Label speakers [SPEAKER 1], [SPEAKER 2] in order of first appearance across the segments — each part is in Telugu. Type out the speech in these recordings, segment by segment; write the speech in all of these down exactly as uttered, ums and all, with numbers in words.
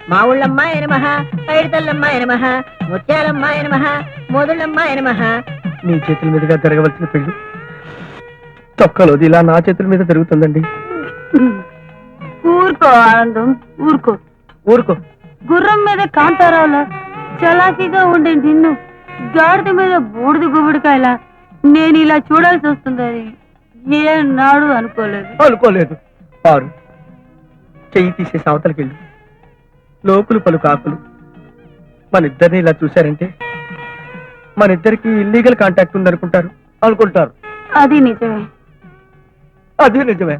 [SPEAKER 1] మా ఊళ్ళమ్మాయ నమః, పైడితల్లమ్మాయ నమః, ముత్యాలమ్మాయ నమః, మోదుళ్ళమ్మాయ నమః.
[SPEAKER 2] మీ చేతుల మీదుగా జరగవలసిన పెళ్లి తొక్కలోది ఇలా నా చేతుల మీద జరుగుతుందండి.
[SPEAKER 3] ఊరుకో ఆనందం, ఊరుకో
[SPEAKER 2] ఊరుకో.
[SPEAKER 3] గుర్రం మీద కాంతారావులా చలాకీగా ఉండే నిన్ను గాడిద మీద బూడిద గుబుడికాయలా నేను ఇలా చూడాల్సి వస్తుందని ఏ నాడు అనుకోలేదు.
[SPEAKER 2] అనుకోలేదు. పారు, చెయ్యి తీసేసి అవతలకి వెళ్ళి లోకులు పలు కాకులు మన ఇద్దరిని ఇలా చూశారంటే మన ఇద్దరికి ఇల్లీగల్ కాంటాక్ట్ ఉందనుకుంటారు అనుకుంటారు.
[SPEAKER 3] అది నిజమే,
[SPEAKER 2] అది నిజమే.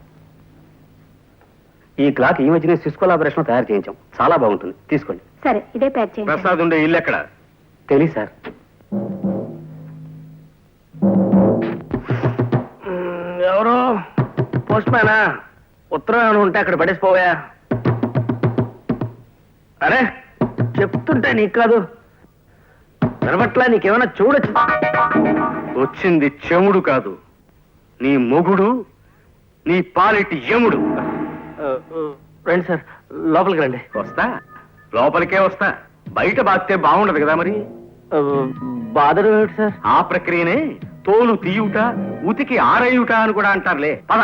[SPEAKER 4] ఈ క్లాక్ ఈ మధ్యనే సిస్ కొలాబరేషన్ తయారు చేయించాం, చాలా బాగుంటుంది, తీసుకోండి.
[SPEAKER 3] సరే ఇదే ప్యాక్ చేయండి.
[SPEAKER 4] ప్రసాద్ ఉండే ఇల్లు ఎక్కడ తెలియదు సార్. ఎవరు పోస్ట్ మ్యానా? ఉత్తరం ఉంటే అక్కడ పడేసిపోవా. అరే చెప్తుంటే నీకు కాదు వినబట్లా, నీకేమైనా చూడొచ్చు. వచ్చింది చెముడు కాదు, నీ మొగుడు, నీ పాలిటి యముడు. రండి సార్, లోపలికి రండి. వస్తా, లోపలికే వస్తా. బయట బాస్తే బాగుండదు కదా మరి. బాధలు ఏమిటి సార్? ఆ ప్రక్రియనే తోలు తీయుట, ఉతికి ఆరయుట అని కూడా అంటారులే. పద.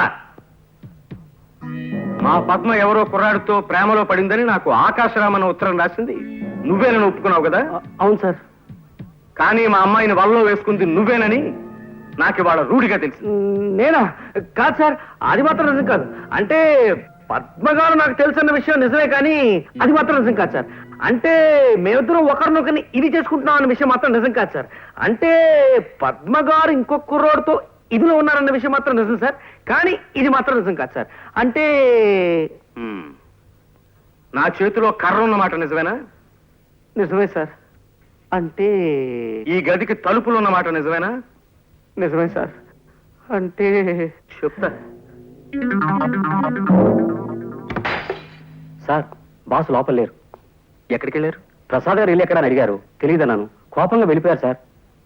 [SPEAKER 4] మా పద్మ ఎవరో కుర్రాడితో ప్రేమలో పడిందని నాకు ఆకాశరామన్న ఉత్తరం రాసింది నువ్వేనని ఒప్పుకున్నావు కదా? అవును సార్. కానీ మా అమ్మాయిని వలలో వేసుకుంది నువ్వేనని నాకు ఇవాళ రూఢిగా తెలుసు. నేనా? కాదు సార్, అది మాత్రం నిజం కాదు. అంటే పద్మగారు నాకు తెలుసన్న విషయం నిజమే, కానీ అది మాత్రం నిజం కాదు సార్. అంటే మేమిద్దరం ఒకరినొకరిని ఇది చేసుకుంటున్నాం అన్న విషయం మాత్రం నిజం కాదు సార్. అంటే పద్మగారు ఇంకొక కుర్రోడితో ఇదిలో ఉన్నారన్న విషయం మాత్రం నిజం సార్, కానీ ఇది మాత్రం నిజం కాదు సార్. అంటే నా చేతిలో కర్ర ఉన్నమాట నిజమేనా? నిజమే సార్. అంటే ఈ గదికి తలుపులు ఉన్నమాట నిజమేనా? నిజమే సార్. అంటే చెప్తా సార్. బాస్ లోపల లేరు. ఎక్కడికి వెళ్ళారు? ప్రసాద్ గారు ఇల్లు ఎక్కడ అని అడిగారు, తెలియదన్నాను. కోపంగా వెళ్ళిపోయారు సార్.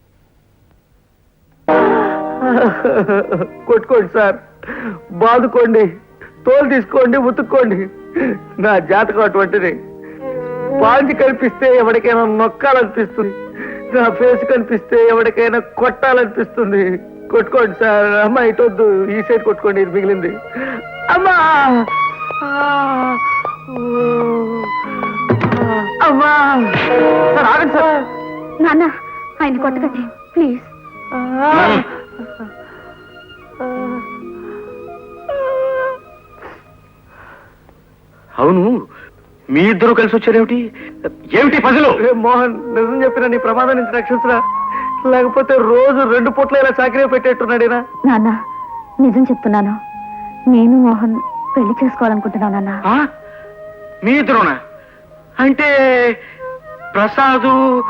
[SPEAKER 4] కొట్టుకోండి సార్, బాదుకోండి, తోలు తీసుకోండి, ఉతుక్కోండి. నా జాతకం అటువంటిది. పాంచి కనిపిస్తే ఎవరికైనా నొక్కాలనిపిస్తుంది, నా ఫేస్ కనిపిస్తే ఎవరికైనా కొట్టాలనిపిస్తుంది. కొట్టుకోండి సార్. అమ్మా ఇటొద్దు, ఈ సైడ్ కొట్టుకోండి, ఇది మిగిలింది. అమ్మా అమ్మా. సార్ ఆగండి సార్.
[SPEAKER 3] నాన్న ఆయన కొట్టకండి ప్లీజ్.
[SPEAKER 4] అవును, మీ ఇద్దరు కలిసి వచ్చారేమిటి? ఏమిటి పజలు?
[SPEAKER 2] మోహన్, నిజం చెప్పిన నీ ప్రమాదం నుంచి రక్షించరా, లేకపోతే రోజు రెండు పూట్ల ఇలా చాకరీ పెట్టేట్టున్నాడేనా?
[SPEAKER 3] నాన్న నిజం చెప్తున్నాను, నేను మోహన్ పెళ్లి చేసుకోవాలనుకుంటున్నాను నాన్న.
[SPEAKER 4] మీ ఇద్దరునా? అంటే ప్రసాదు?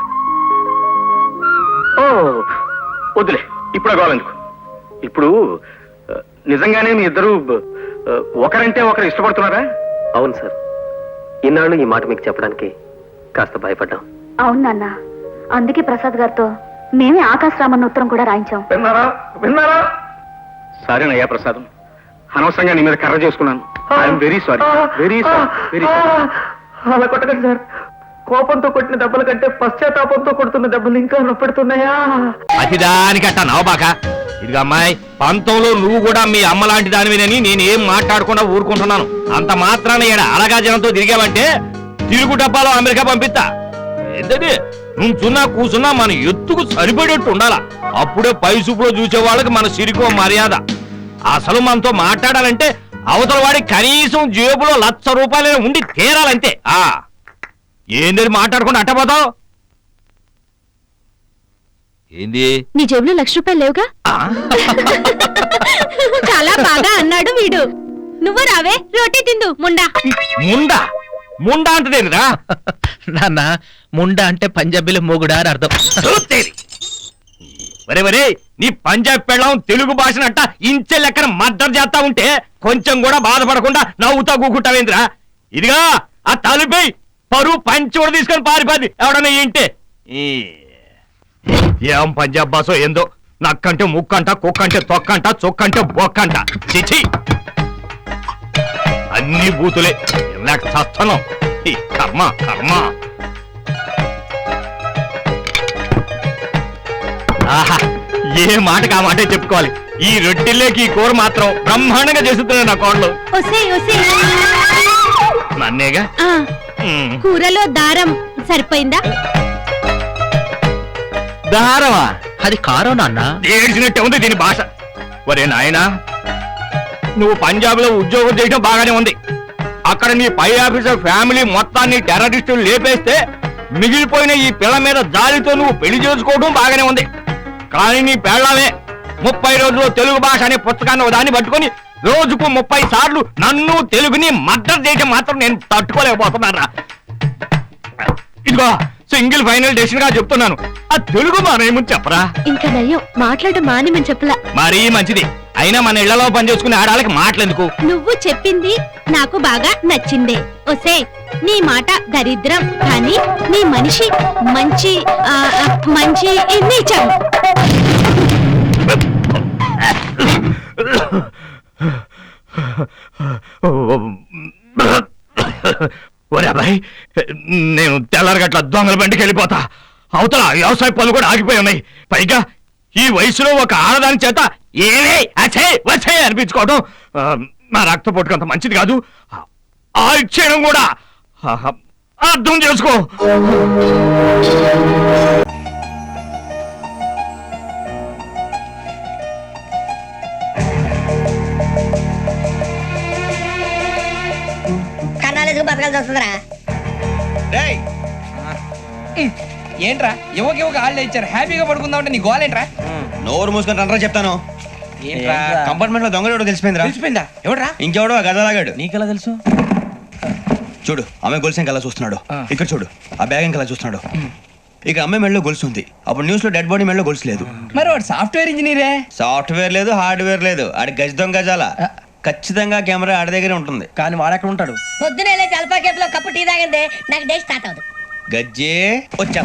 [SPEAKER 4] ఓ వద్దులే, ఇప్పుడు కావాలెందుకు. ఇప్పుడు నిజంగానే మీ ఇద్దరు ఒకరంటే ఒకరు ఇష్టపడుతున్నారా? అవును సార్. ఇన్నాళ్ళు ఈ మాట మీకు చెప్పడానికి కాస్త భయపడ్డాం.
[SPEAKER 3] అవును నాన్న, అందుకే ప్రసాద్ గారితో మేమే ఆకాశరామన్న ఉత్తరం కూడా రాయించాం.
[SPEAKER 4] విన్నారా? విన్నారా? సారీనయ్యా ప్రసాదం, అనవసరంగా నీ మీద కర్ర చేసుకున్నాను. I'm very sorry, very sorry, very sorry.
[SPEAKER 2] అలా కొట్టకండి సార్. కోపంతో కొట్టిన దెబ్బల కంటే పశ్చాత్తాపంతో కొడుతున్న దెబ్బలు ఇంకా నొప్పెడుతున్నాయా?
[SPEAKER 5] అతిదానికట్ట నవబాక. ఇదిగా అమ్మాయి, పంతంలో నువ్వు కూడా మీ అమ్మ లాంటి దానివేనని నేనేం మాట్లాడకుండా ఊరుకుంటున్నాను. అంత మాత్రాన ఏడ అలగా జనంతో తిరిగావంటే తిరుగు డబ్బాలో అమెరికా పంపిస్తా. ఏంటది? నువ్వు చున్నా కూసున్నా మన ఎత్తుకు సరిపడేట్టు ఉండాలా. అప్పుడే పై చూపులో చూసే వాళ్ళకి మన సిరికో మర్యాద. అసలు మనతో మాట్లాడాలంటే అవతల వాడి కనీసం జేబులో లక్ష రూపాయలైనా ఉండి తీరాలంతే. ఆ ఏంది మాట్లాడకుండా అట్టపోతావు? ఏంది?
[SPEAKER 3] నీ జేబులో లక్ష రూపాయలు లేవుగా? చాలా బాగా అన్నాడు వీడు. నువ్వు రావే, రోటీ తిందు. ముండా
[SPEAKER 5] ముండా ముండా అంటదేనిరా?
[SPEAKER 6] నాన్న, ముండా అంటే పంజాబీలో మొగుడా అని అర్థం.
[SPEAKER 5] వరే వరే, నీ పంజాబ్ పెళ్ళం తెలుగు భాషనంట ఇంచె లెక్కన మద్దతు చేస్తా ఉంటే కొంచెం కూడా బాధపడకుండా నవ్వుతా కూకుంటావేంద్రా? ఇదిగా ఆ తలుపై పరువు పంచి కూడా తీసుకొని పారిపోద్ది ఎవడన్నా ఏంటే. ఏం పంజాబ్ భాషో ఏందో, నక్కంటే ముక్కంట, కుక్కంటే తొక్కంట, చొక్కంటే బొక్కంట. చిచి, అన్ని బూతులే. చస్తున్నాం. ఈ కర్మ కర్మ. ఆహా, ఏ మాటకి ఆ మాటే చెప్పుకోవాలి. ఈ రొట్టెల్లోకి ఈ కూర మాత్రం బ్రహ్మాండంగా చేస్తున్నాడు నా కోడలు.
[SPEAKER 7] ఒసేయ్ ఒసేయ్
[SPEAKER 5] నన్నేగా.
[SPEAKER 7] ఆ,
[SPEAKER 5] ఉమ్.
[SPEAKER 7] కూరలో దారం సరిపోయిందా?
[SPEAKER 5] దారమా?
[SPEAKER 6] అది కారం నాన్న.
[SPEAKER 5] ఏడ్చినట్టే ఉంది దీని భాష. ఒరే నాయనా, నువ్వు పంజాబ్ లో ఉద్యోగం చేయడం బాగానే ఉంది. అక్కడ నీ పై ఆఫీసర్ ఫ్యామిలీ మొత్తాన్ని టెర్రరిస్టులు లేపేస్తే మిగిలిపోయిన ఈ పిల్ల మీద జాలితో నువ్వు పెళ్లి చేసుకోవడం బాగానే ఉంది. కానీ నీ పెళ్ళమే ముప్పై రోజుల్లో తెలుగు భాష అనే పుస్తకాన్ని దాన్ని పట్టుకొని రోజుకు ముప్పై సార్లు నన్ను తెలుగుని మద్దతు చేయడం మాత్రం నేను తట్టుకోలేకపోతున్నారా. ఇదిగో సింగిల్ ఫైనల్ డెసిషన్ గా చెప్తున్నాను, ఆ తెలుగు మానేమని చెప్పరా.
[SPEAKER 7] ఇంకా నయ్యం మాట్లాడడం మానేమని చెప్పలా.
[SPEAKER 5] మరీ మంచిది. అయినా మన ఇళ్లలో పనిచేసుకునే ఆడాలకి మాటలెందుకు?
[SPEAKER 7] నువ్వు చెప్పింది నాకు బాగా నచ్చిందే. ఒసే నీ మాట దరిద్రం కానీ నీ మనిషి మంచి ఆ, ఆ, మంచి నీచం.
[SPEAKER 5] ఒరే అబ్బాయి, నేను తెల్లారగట్ల దొంగల బండికి వెళ్ళిపోతా. అవతల వ్యవసాయ పనులు కూడా ఆగిపోయి ఉన్నాయి. పైగా ఈ వయసులో ఒక ఆడదాని చేత ఏవే అచ్చే వచ్చే అనిపించుకోవడం ఆ, నా రక్త పొట్టుకంత మంచిది కాదు. ఆ ఇచ్చేయడం కూడా ఆ, అర్థం చేసుకో.
[SPEAKER 1] కన్నాలేసుకు బతకాల్సి వస్తుందిరా.
[SPEAKER 8] ఏంట్రా యువకి యువక హాలిడే ఇచ్చారు, హ్యాపీగా పడుకుందాం అంటే నీ గోలేంట్రా?
[SPEAKER 9] నోరు మూసుకొని రండ్రా చెప్తాను.
[SPEAKER 8] ఏంట్రా
[SPEAKER 9] కంపార్ట్మెంట్ లో దొంగడు తెలిసిపోయిందిరా.
[SPEAKER 8] తెలిసిపోయిందా? ఎవడ్రా?
[SPEAKER 9] ఇంకెవడో గదలాగాడు.
[SPEAKER 8] నీకెలా తెలుసు?
[SPEAKER 9] చూడు, ఆమె గొలుసు ఇంకలా చూస్తున్నాడు. ఇక్కడ చూడు, ఆ బ్యాగ్ ఇంకలా చూస్తున్నాడు. ఇక అమ్మాయి మెడలో గొలుసు ఉంది. అప్పుడు న్యూస్ లో డెడ్ బాడీ మెడలో గొలుసు లేదు.
[SPEAKER 8] మరి వాడు సాఫ్ట్వేర్ ఇంజనీరే.
[SPEAKER 9] సాఫ్ట్వేర్ లేదు, హార్డ్వేర్ లేదు. ఆడి గజ దొంగ గజాల. ఖచ్చితంగా కెమెరా ఆడి దగ్గరే ఉంటుంది.
[SPEAKER 8] కానీ వాడెక్కడ ఉంటాడు?
[SPEAKER 1] పొద్దునే లేచి అల్ఫా కేఫ్ లో కప్పు టీ తాగిందే నాకు డే స్టార్ట్ అవుతుంది.
[SPEAKER 9] గజ్జే వచ్చా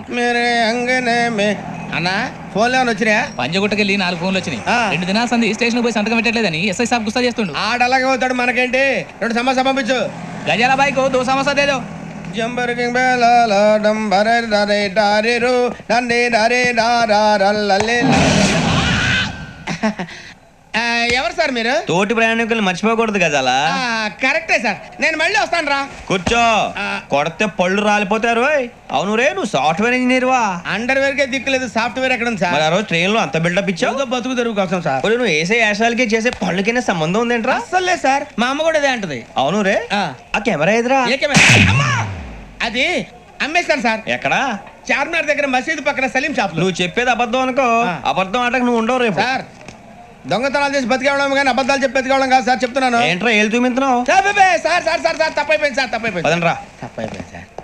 [SPEAKER 8] అన్నా ఫోన్ లో వచ్చినా పంజగుట్టకెళ్ళి నాలుగు ఫోన్లు వచ్చినాయి. రెండు దినాల సంది స్టేషన్ పోయి సంతకం పెట్టలేదని ఎస్ఐ సాబ్ గుస్తా చేస్తుండు.
[SPEAKER 10] ఆడలాగే పోతాడు, మనకేంటి? రెండు సమస్య పంపించు.
[SPEAKER 8] గజాల బైక్ దో సమస్య దేదో.
[SPEAKER 10] Jumper king బేలాల డంబరే డరే డారిరు నందే డరే డారారల్లలే. ఎవరు సార్ మీరు?
[SPEAKER 9] తోటి ప్రయాణికులు మర్చిపోకూడదు గజాల.
[SPEAKER 10] కరెక్టే సార్, నేను మళ్ళీ వస్తాను రా.
[SPEAKER 9] కూర్చో, కొడితే పళ్ళు రాలిపోతారు. అవును రే, నువ్వు సాఫ్ట్వేర్ ఇంజనీర్ వా?
[SPEAKER 10] అండర్ వేర్ కే దిక్కులేదు, సాఫ్ట్వేర్ ఎక్కడ ఉంది సార్?
[SPEAKER 9] మరి ఆ రోజు ట్రైన్ లో అంత బిల్డప్ ఇచ్చావు.
[SPEAKER 10] బతుకు తెరుగు కోసం సార్.
[SPEAKER 9] నువ్వు వేసే యాశాలకి చేసే పళ్ళకైనా సంబంధం ఉందేంట్రా?
[SPEAKER 10] అస్సలు లేదు సార్, మా అమ్మ కూడా అదే అంటది.
[SPEAKER 9] అవును రే, ఆ కెమెరా ఎదురా?
[SPEAKER 10] ఏ కెమెరా? అమ్మా! అది అమ్మేస్తాను సార్.
[SPEAKER 9] ఎక్కడా?
[SPEAKER 10] చార్మినార్ దగ్గర మసీదు పక్కన సలీం షాప్.
[SPEAKER 9] నువ్వు చెప్పేది అబద్ధం అనుకో. అబద్ధం ఆటకు నువ్వు ఉండవు రేపు.
[SPEAKER 10] సార్ దొంగతనాలు చేసి బతికేవడం కానీ అబద్ధాలు చెప్పి బతికేవడం కాదు సార్, చెప్తున్నాను.
[SPEAKER 9] ఏంట్రా ఏళ్ళు చూపించినావు?
[SPEAKER 10] Sir sir sir sir sir తప్పైపోయింది సార్, తప్పైపోయింది.
[SPEAKER 9] పదండ్రా.
[SPEAKER 10] తప్పైపోయింది సార్.